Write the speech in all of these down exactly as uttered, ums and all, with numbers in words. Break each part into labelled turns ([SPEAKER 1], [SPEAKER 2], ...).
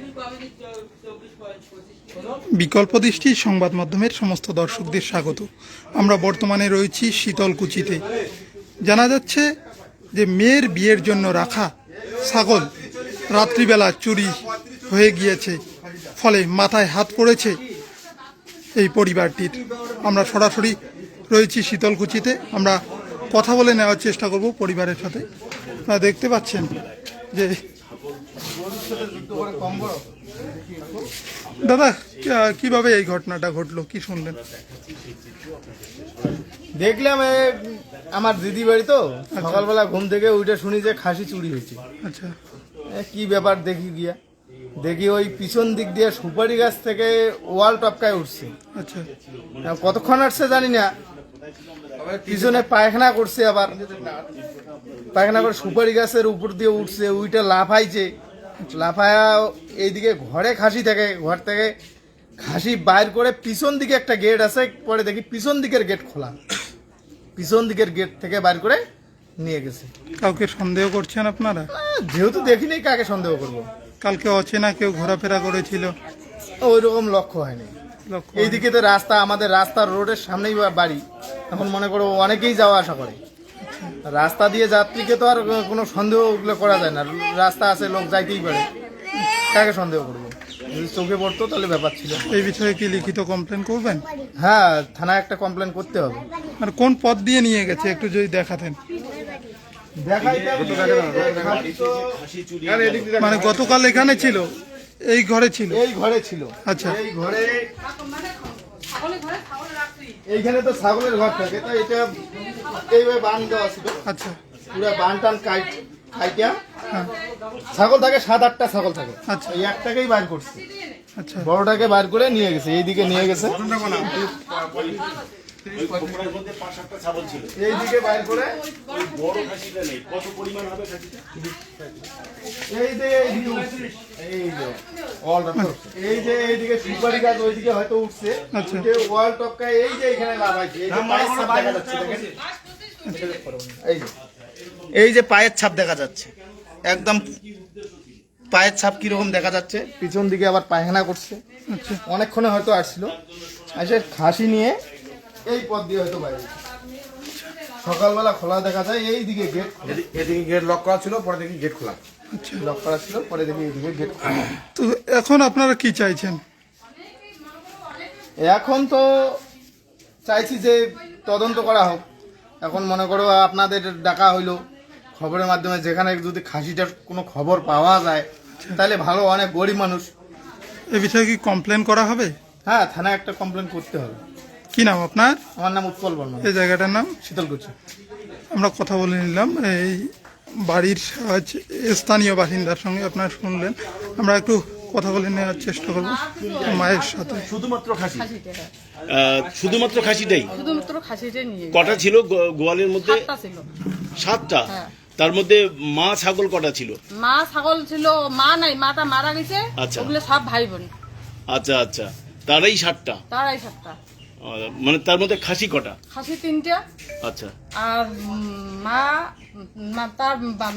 [SPEAKER 1] বিকল্প দৃষ্টি সংবাদ মাধ্যমের সমস্ত দর্শকদের স্বাগত। আমরা বর্তমানে রয়েছি শীতলকুচিতে। জানা যাচ্ছে যে মেয়ের বিয়ের জন্য রাখা ছাগল রাত্রিবেলা চুরি হয়ে গিয়েছে, ফলে মাথায় হাত পড়েছে এই পরিবারটির। আমরা সরাসরি রয়েছি শীতলকুচিতে, আমরা কথা বলে নেওয়ার চেষ্টা করব পরিবারের সাথে। আপনারা দেখতে পাচ্ছেন যে দাদা কিভাবে এই ঘটনাটা ঘটলো, কি শুনলেন?
[SPEAKER 2] দেখলাম আমার দিদি বাড়ি তো, সকালবেলা ঘুম থেকে উঠে শুনি যে খাসি চুরি হয়েছে।
[SPEAKER 1] আচ্ছা,
[SPEAKER 2] কি ব্যাপার দেখি গিয়া দেখি ওই পিছন দিক দিয়ে সুপারি গাছ থেকে ওয়াল টপকায় উঠছে।
[SPEAKER 1] আচ্ছা,
[SPEAKER 2] কতক্ষণ আসছে জানি না, পিছনে পায়খানা করছে, আবার পায়খানা করে সুপারি গাছের উপর দিয়ে উঠছে, ওইটা লাফাইছে। লাফায়া এইদিকে ঘরে খাসি থাকে, ঘর থেকে খাসি বাইর করে পিছন দিকে একটা গেট আছে, পরে দেখি পিছন দিকের গেট খোলা, পিছন দিকের গেট থেকে বাইর করে নিয়ে গেছে।
[SPEAKER 1] কাউকে সন্দেহ করছেন আপনারা?
[SPEAKER 2] যেহেতু দেখিনি, কাকে সন্দেহ করব?
[SPEAKER 1] কালকে অচেনা কেউ ঘোরাফেরা করেছিল,
[SPEAKER 2] ওই রকম লক্ষ্য হয়নি।
[SPEAKER 1] লক্ষ্য
[SPEAKER 2] এইদিকে তো রাস্তা, আমাদের রাস্তার রোডের সামনেই বাড়ি, এখন মনে করো অনেকেই যাওয়া আসা করে। রাস্তা দিয়ে যাত্রীকে তো আর কোনো সন্দেহ করা যায় না, রাস্তা আছে, লোক যাইতেই পারে, কাকে সন্দেহ করবো? যদি চোখে পড়তো তাহলে ব্যাপার ছিল।
[SPEAKER 1] এই বিষয়ে কি লিখিত কমপ্লেন করবেন?
[SPEAKER 2] হ্যাঁ, থানায় একটা কমপ্লেন করতে হবে।
[SPEAKER 1] আর কোন পথ দিয়ে নিয়ে গেছে একটু যদি দেখাতেন। মানে গতকাল এখানে ছিল, এই ঘরে ছিল?
[SPEAKER 2] এই ঘরে ছিল।
[SPEAKER 1] আচ্ছা,
[SPEAKER 2] এই ঘরে, এইখানে তো ছাগলের ঘর থাকে, তো এটা এইভাবে বান দেওয়া ছিল।
[SPEAKER 1] আচ্ছা,
[SPEAKER 2] পুরো বান টান খাইটা ছাগল থাকে, সাত আটটা ছাগল থাকে।
[SPEAKER 1] আচ্ছা,
[SPEAKER 2] এই একটাকেই বাইর করছে।
[SPEAKER 1] আচ্ছা,
[SPEAKER 2] বড়টাকে বাইর করে নিয়ে গেছে, এইদিকে নিয়ে গেছে, এইদিকে বাইর করে এই যে এই যে এইদিকে সুপারি গাছ ওইদিকে হয়তো উঠছে, ওয়াল টপকায় এই যে এখানে লাগাইছে। এই যে এই যে পায়ের ছাপ দেখা যাচ্ছে, একদম পায়ের ছাপ কিরকম দেখা যাচ্ছে। পিছন দিকে আবার পায়খানা করছে। অনেকক্ষণে হয়তো আসছিল, এসে খাসি নিয়ে এই পথ দিয়ে হয়তো বাইরে। সকালবেলা খোলা দেখা যায়, এই দিকে গেট, এদিকে গেট লক করা ছিল, পরে দেখি গেট খোলা। লক করা ছিল, পরে দেখি এইদিকে গেট খোলা।
[SPEAKER 1] তো এখন আপনারা কি চাইছেন?
[SPEAKER 2] এখন তো চাইছি যে তদন্ত করা হোক। এখন মনে করো আপনাদের ডাকা হইলো খবরের মাধ্যমে, যেখানে যদি খাসিটার কোনো খবর পাওয়া যায় তাহলে ভালো, অনেক গরিব মানুষ।
[SPEAKER 1] এ বিষয়ে কি কমপ্লেন করা হবে? হ্যাঁ,
[SPEAKER 2] থানায় একটা কমপ্লেন করতে হবে।
[SPEAKER 1] কি নাম আপনার?
[SPEAKER 2] আমার নাম উৎপল বর্মা।
[SPEAKER 1] এই জায়গাটার নাম?
[SPEAKER 2] শীতলকুচি।
[SPEAKER 1] আমরা কথা বলে নিলাম এই বাড়ির স্থানীয় বাসিন্দার সঙ্গে, আপনারা শুনলেন। আমরা একটু কথা বলে নেওয়ার চেষ্টা করবো মায়ের সাথে।
[SPEAKER 3] শুধুমাত্র খাসি, শুধুমাত্র খাসিটাই?
[SPEAKER 4] শুধুমাত্র খাসিটাই নিয়ে।
[SPEAKER 3] কটা ছিল গোয়ালের মধ্যে?
[SPEAKER 4] সাতটা ছিল।
[SPEAKER 3] সাতটা? তার মধ্যে মা ছাগল কটা ছিল?
[SPEAKER 4] মা ছাগল ছিল, মা নাই, মাটা মারা গেছে।
[SPEAKER 3] আচ্ছা,
[SPEAKER 4] ওগুলো সব ভাই বোন।
[SPEAKER 3] আচ্ছা আচ্ছা, তারাই সাতটা?
[SPEAKER 4] তারাই সাতটা।
[SPEAKER 3] মানে তার মধ্যে খাসি কটা?
[SPEAKER 4] খাসি তিনটা।
[SPEAKER 3] আচ্ছা,
[SPEAKER 4] আর মা তার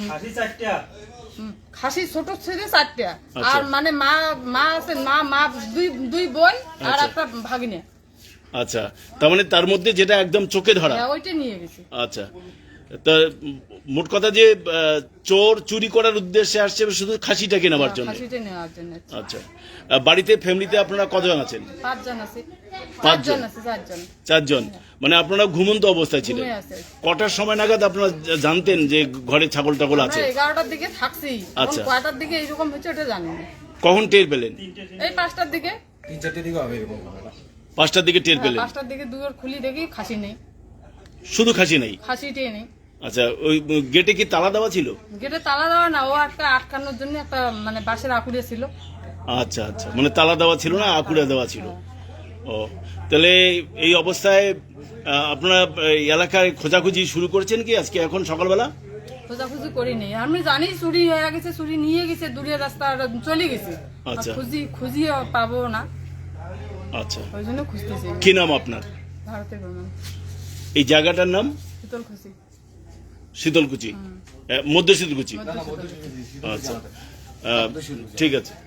[SPEAKER 4] খাসি ছোট ছেলে চারটা। আর মানে মা মা আছে, মা মা দুই দুই বোন আর একটা ভাগিনা।
[SPEAKER 3] আচ্ছা, তার মানে তার মধ্যে যেটা একদম চোখে ধরা
[SPEAKER 4] ওইটা নিয়ে গেছে।
[SPEAKER 3] আচ্ছা, তা মোট কথা যে চোর চুরি করার উদ্দেশ্যে আসছে শুধু খাসিটাকে নেওয়ার জন্য? আচ্ছা, বাড়িতে ফ্যামিলিতে আপনারা কতজন আছেন?
[SPEAKER 4] পাঁচজন আছে।
[SPEAKER 3] পাঁচজন? চারজন। মানে আপনারা ঘুমন্ত অবস্থায় ছিলেন? কটার সময় নাগাদ আপনারা জানতেন যে ঘরে ছাগল টাগল আছে?
[SPEAKER 4] এগারোটার দিকে থাকছি।
[SPEAKER 3] আচ্ছা,
[SPEAKER 4] কয়টার দিকে এইরকম হচ্ছে ওটা জানি না।
[SPEAKER 3] কখন টের পেলেন?
[SPEAKER 4] এই পাঁচটার দিকে।
[SPEAKER 2] তিন চারটের দিকে হবে এরকম।
[SPEAKER 3] পাঁচটার দিকে টের পেলেন?
[SPEAKER 4] পাঁচটার দিকে দুয়ার খুলি দেখি খাসি নেই।
[SPEAKER 3] শুধু খাসি নেই?
[SPEAKER 4] খাসিটাই নেই।
[SPEAKER 3] আচ্ছা, ওই গেটে কি তালা দেওয়া ছিল?
[SPEAKER 4] গেটে তালা দেওয়া না, ও একটা আটকানোর জন্য একটা মানে বাঁশের আকুড়ে ছিল।
[SPEAKER 3] আচ্ছা আচ্ছা, মানে তালা দেওয়া ছিল না, আকুড়ে দেওয়া ছিল। ও, তাহলে এই অবস্থায় আপনারা এলাকায় খোঁজাখুঁজি শুরু করেছেন কি আজকে এখন সকালবেলা?
[SPEAKER 4] খোঁজাখুঁজি করিনি, আমি জানি চুরি হয়ে গেছে, চুরি নিয়ে গেছে, দূরের রাস্তা চলে গেছে।
[SPEAKER 3] আচ্ছা,
[SPEAKER 4] খুঁজি খুঁজি পাবো না।
[SPEAKER 3] আচ্ছা,
[SPEAKER 4] ওই জন্য খুঁজতেছি।
[SPEAKER 3] কি নাম আপনার?
[SPEAKER 4] ভারতের বর্মন।
[SPEAKER 3] এই জায়গাটার নাম?
[SPEAKER 4] শীতলকুচি।
[SPEAKER 3] শীতলকুচি, মধ্য শীতলকুচি। আচ্ছা, ঠিক আছে।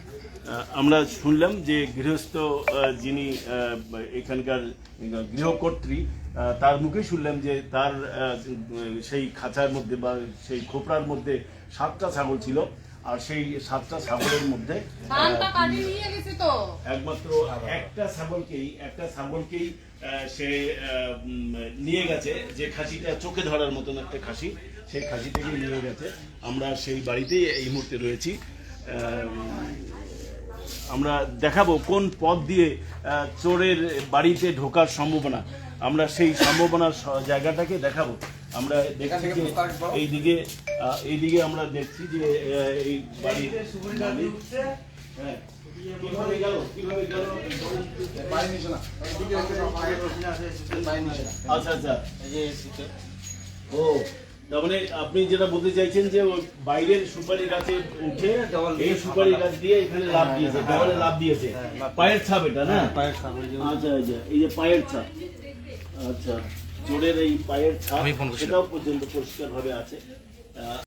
[SPEAKER 3] আমরা শুনলাম যে গৃহস্থ আহ, যিনি আহ, এখানকার গৃহকর্ত্রী আহ, তার মুখে শুনলাম যে তার আহ, সেই খাঁচার মধ্যে বা সেই খোপড়ার মধ্যে সাতটা ছাগল ছিল, আর সেই সাতটা ছাগলের মধ্যে
[SPEAKER 4] ধানটা কাটি নিয়ে গেছে তো
[SPEAKER 3] একমাত্র একটা ছাগলকেই একটা ছাগলকেই আহ, সে আহ, উম, নিয়ে গেছে, যে খাসিটা চোখে ধরার মতন একটা খাসি, সেই খাসিটাকে নিয়ে গেছে। আমরা সেই বাড়িতেই এই মুহূর্তে রয়েছি। আহ, আমরা দেখাবো কোন পথ দিয়ে আহ, চোরের বাড়িতে ঢোকার সম্ভাবনা, আমরা সেই সম্ভাবনার স- জায়গাটাকে দেখাবো। আমরা দেখছি যে এইদিকে আহ, এইদিকে আমরা দেখছি যে আহ, এই বাড়ির মালিক- হ্যাঁ, কিভাবে গেল কিভাবে গেল আচ্ছা আচ্ছা ও, তার মানে আপনি যেটা বলতে চাইছেন যে ওই বাইরের সুপারি গাছে উঠে এই সুপারি গাছ দিয়ে এখানে লাভ দিয়েছে, দেওয়ালে লাভ দিয়েছে, পায়ের ছাপ এটা না? আচ্ছা আচ্ছা, এই যে পায়ের ছাপ, আচ্ছা চোরের এই পায়ের ছাপ সেটাও পর্যন্ত পরিষ্কার ভাবে আছে। আহ,